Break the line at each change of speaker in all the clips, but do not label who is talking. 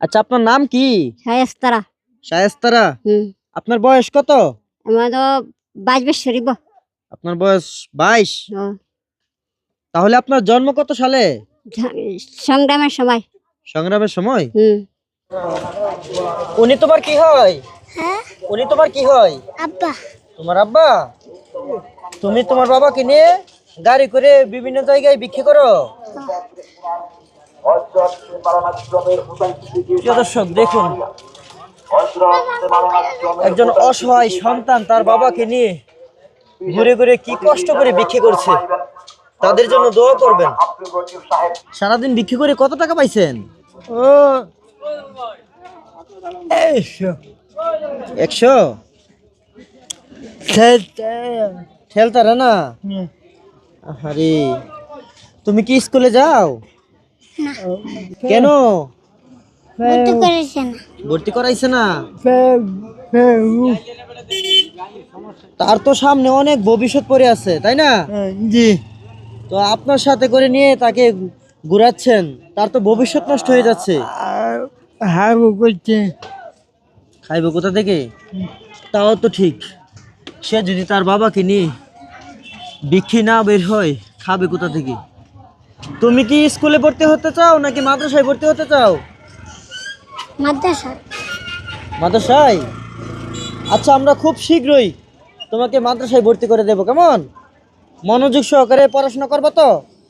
আচ্ছা, আপনার নাম কি?
শায়েস্তারা।
শায়েস্তারা।
হুম।
আপনার বয়স কত?
আমার তো 22 বছর হইব।
আপনার বয়স 22।
ও,
তাহলে আপনার জন্ম কত সালে?
সংগ্রামের সময়।
সংগ্রামের সময়?
হুম।
উনি তোমার কি হয়?
হ্যাঁ,
উনি তোমার কি হয়?
আব্বা।
তোমার আব্বা? তুমি তোমার বাবাকে নিয়ে গাড়ি করে বিভিন্ন জায়গায় বিক্রি করো? প্রিয় দর্শক, দেখুন, একজন অসহায় সন্তান তার বাবাকে নিয়ে ঘুরে ঘুরে কি কষ্ট করে বিক্রি করছে। তাদের জন্য দোয়া করবেন। সারাদিন বিক্রি করে কত টাকা পাইছেন?
ও
100। ঠেলতারা না? আরে, তুমি কি স্কুলে যাও? কেন? ভর্তি করাইছে না? তার তো সামনে অনেক ভবিষ্যৎ পড়ে আছে, তাই না?
জি।
তো আপনার সাথে করে নিয়ে তাকে ঘুরাচ্ছেন, তার তো ভবিষ্যৎ নষ্ট হয়ে যাচ্ছে।
হাগু করছে।
খাইবো কোথা থেকে? তাও তো ঠিক। সে যদি তার বাবাকে নিয়ে বিক্রি না বের হয়, খাবে কোথা থেকে? তুমি কি স্কুলে ভর্তি হতে চাও নাকি মাদ্রাসায় ভর্তি হতে চাও?
মাদ্রাসা।
মাদ্রাসায়? আচ্ছা, আমরা খুব শীঘ্রই তোমাকে মাদ্রাসায় ভর্তি করে দেব, কেমন? মনোযোগ সহকারে পড়াশোনা করবো তো?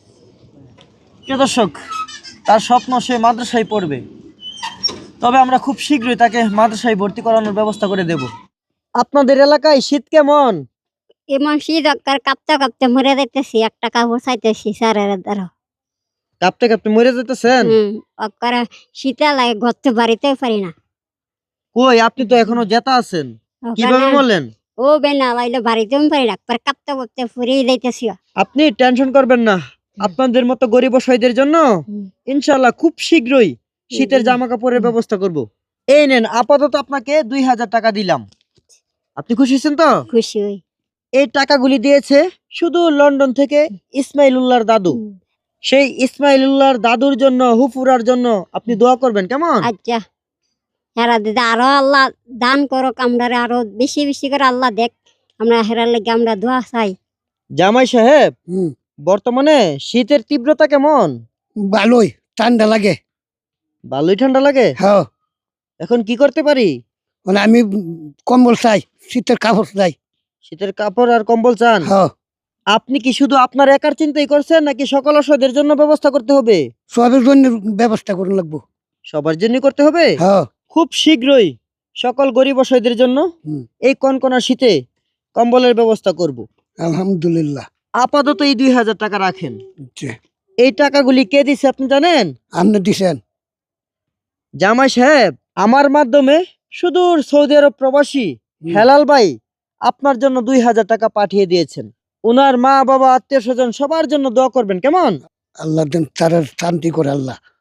প্রিয় দর্শক, তার স্বপ্ন সে মাদ্রাসায় পড়বে, তবে আমরা খুব শীঘ্রই তাকে মাদ্রাসায় ভর্তি করানোর ব্যবস্থা করে দেব। আপনাদের এলাকায় শীত কেমন?
এমন শীত কাঁপতে কাঁপতে মরে যাইতেছি, একটা কাপড় চাইতেছি স্যারের দ্বারা।
কাঁপতে কাঁপতে মরে যেতেছেন?
অক্কারে শীতে লাগে, ঘরতে বাড়িতেও পারি না।
কই, আপনি তো এখনো জেতা আছেন, কিভাবে বললেন?
ও বেনা লাইলে বাড়িতেও পারি না, কাঁপতে কাঁপতে ফুরিয়ে যাইতেছি।
আপনি টেনশন করবেন না, আপনাদের মতো গরিব অসহায়দের জন্য ইনশাআল্লাহ খুব শীঘ্রই শীতের জামা কাপড়ের ব্যবস্থা করব। এই নেন, আপাতত আপনাকে 2000 টাকা দিলাম। আপনি খুশি হয়েছেন তো?
খুশি হই।
এই টাকাগুলি দিয়েছে শুধু লন্ডন থেকে ইসমাইলুল্লাহর দাদু। সেই ইসমাইলুল্লাহর দাদুর জন্য, হুফুরার জন্য আপনি দোয়া করবেন, কেমন?
আচ্ছা, হেরা দিদা আরো আল্লাহ দান করুক, আমরা আরো বেশি বেশি করে আল্লাহ দেখ, আমরা হেরার লেগে আমরা দোয়া চাই।
জামাই সাহেব, বর্তমানে শীতের তীব্রতা কেমন?
ভালোই ঠান্ডা লাগে।
ভালোই ঠান্ডা লাগে?
হ্যাঁ।
এখন কি করতে পারি?
মানে আমি কম্বল চাই, শীতের কাপড় চাই।
শীতের কাপড় আর কম্বল চান?
হ্যাঁ।
আপনি কি শুধু আপনার একার চিন্তাই করছেন নাকি সকল অসহায়দের জন্য ব্যবস্থা করতে হবে?
সবের জন্য ব্যবস্থা করুন লাগবো।
সবার জন্য করতে হবে?
হ্যাঁ।
খুব শীঘ্রই সকল গরিব অসহায়দের জন্য এই কনকনা শীতে কম্বলের ব্যবস্থা করব।
আলহামদুলিল্লাহ।
আপাতত এই 2000 টাকা রাখেন।
জি।
এই টাকাগুলি কে দিছে আপনি জানেন?
আপনি দিছেন।
জামাই সাহেব, আমার মাধ্যমে সুদূর সৌদি আরব প্রবাসী হেলাল ভাই আপনার জন্য 2000 টাকা পাঠিয়ে দিয়েছেন। ওনার মা বাবা আত্মীয় স্বজন সবার জন্য দোয়া করবেন, কেমন?
আল্লাহ দেন তার শান্তি করে আল্লাহ।